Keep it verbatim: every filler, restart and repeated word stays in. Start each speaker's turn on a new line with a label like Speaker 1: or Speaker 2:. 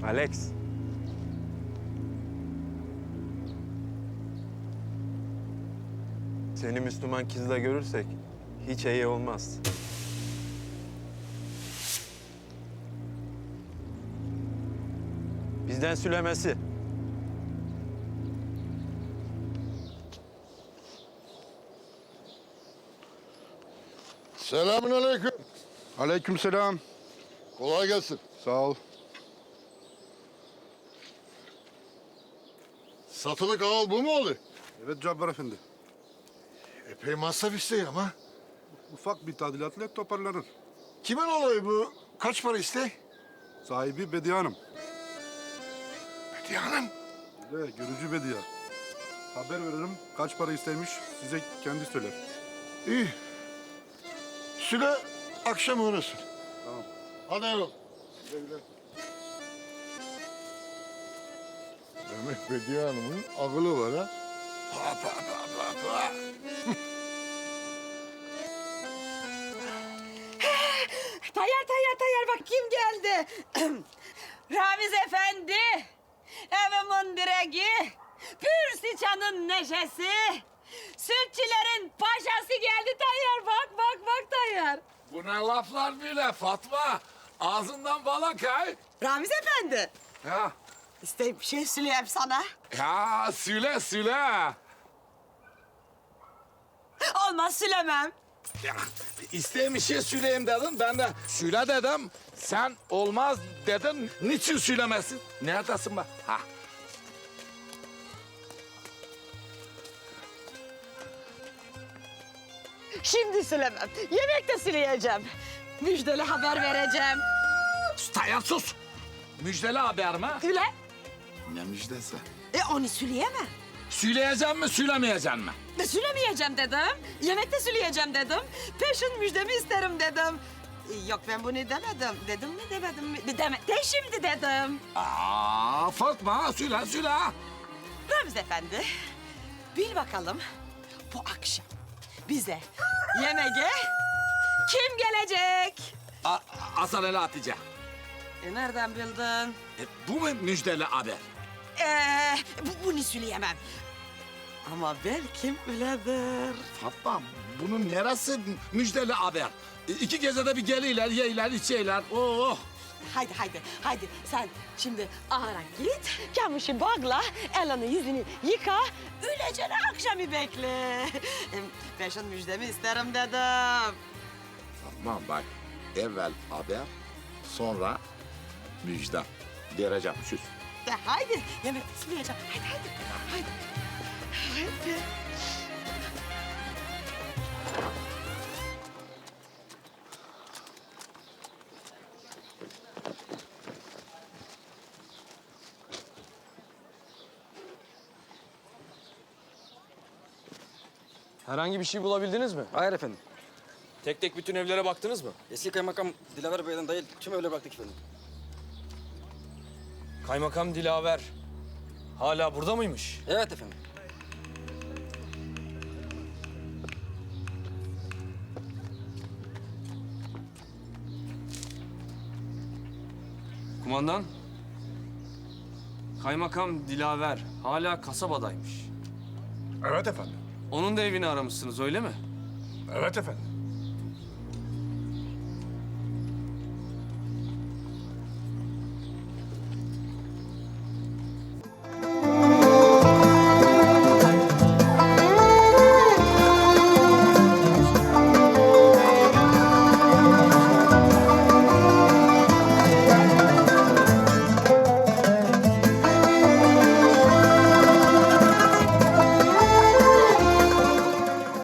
Speaker 1: Alex. Seni Müslüman kızla görürsek hiç iyi olmaz. Bizden sülemesi.
Speaker 2: Selamünaleyküm.
Speaker 3: Aleykümselam.
Speaker 2: Kolay gelsin.
Speaker 3: Sağ ol.
Speaker 2: Satılık ağal bu mu oluyor?
Speaker 3: Evet Cabbar Efendi.
Speaker 2: Epey masraf isteği ama.
Speaker 3: Ufak bir tadilatla toparlanır.
Speaker 2: Kimin olayı bu? Kaç para isteği?
Speaker 3: Sahibi Bediye Hanım.
Speaker 2: Bediye Hanım.
Speaker 3: Ve görücü Bediye. Haber veririm kaç para istemiş size kendi söyler.
Speaker 2: İyi. Süle akşam uğrasın.
Speaker 3: Tamam.
Speaker 2: Hadi Erol. Güle güle. Demek Bediye Hanım'ın akıllı var ha? Pa pa pa pa pa.
Speaker 4: Tayyar, tayyar, tayyar bak kim geldi? Ramiz Efendi, evimin direği, pür sıçanın neşesi, sütçülerin paşası geldi tayyar, bak, bak, bak tayyar.
Speaker 5: Bu ne laflar böyle Fatma? Ağzından bal akay.
Speaker 4: Ramiz Efendi,
Speaker 5: Ya,
Speaker 4: isteyip bir şey söyleyeyim sana.
Speaker 5: ya söyle söyle.
Speaker 4: Olmaz söylemem.
Speaker 5: Ya, isteyeyim bir şey söyleyeyim dedin. Ben de söyle dedim. Sen olmaz dedin. Niçin söylemesin? Neredesin be? Ha.
Speaker 4: Şimdi söylemem, yemekte söyleyeceğim. Müjdeli haber vereceğim.
Speaker 5: Tayyar sus. Müjdeli haber mi?
Speaker 4: Söyle.
Speaker 5: Ne müjdesi?
Speaker 4: E onu söyleyemem.
Speaker 5: Söyleyeceğim mi, söylemeyeceğim mi?
Speaker 4: E, Söylemeyeceğim dedim. Yemekte söyleyeceğim dedim. Peşin müjdemi isterim dedim. E, Yok ben bunu demedim. Dedim mi demedim mi? De, deme, de şimdi dedim.
Speaker 5: Aa, Fatma söyle söyle.
Speaker 4: Ramiz Efendi, bil bakalım bu akşam bize yemeğe kim gelecek?
Speaker 5: A Hasan Ali Hatice.
Speaker 4: E, nereden bildin?
Speaker 5: E, bu mu müjdeli haber?
Speaker 4: Ee, bu, bunu söyleyemem. Ama belki öyledir.
Speaker 5: Fatma, bunun neresi müjdeli haber? E, İki gecede bir geliyorlar, yeyler, içeyler. Oh!
Speaker 4: Haydi haydi haydi sen şimdi ahıra git. Kamışı bağla, elini yüzünü yıka. Öylece akşamı bekle. Em, Peşin müjdemi isterim dedim.
Speaker 5: Tamam bak, evvel haber, sonra müjde. Vereceğim, süs.
Speaker 4: De haydi yemek söyleyeceğim. Haydi haydi haydi. Haydi.
Speaker 6: Herhangi bir şey bulabildiniz mi?
Speaker 7: Hayır efendim.
Speaker 6: Tek tek bütün evlere baktınız mı?
Speaker 7: Eski kaymakam Dilaver Bey'den değil tüm evlere baktık efendim.
Speaker 6: Kaymakam Dilaver hala burada mıymış?
Speaker 7: Evet efendim.
Speaker 6: Kumandan, Kaymakam Dilaver hala kasabadaymış.
Speaker 2: Evet efendim.
Speaker 6: Onun da evini aramışsınız öyle mi?
Speaker 2: Evet efendim.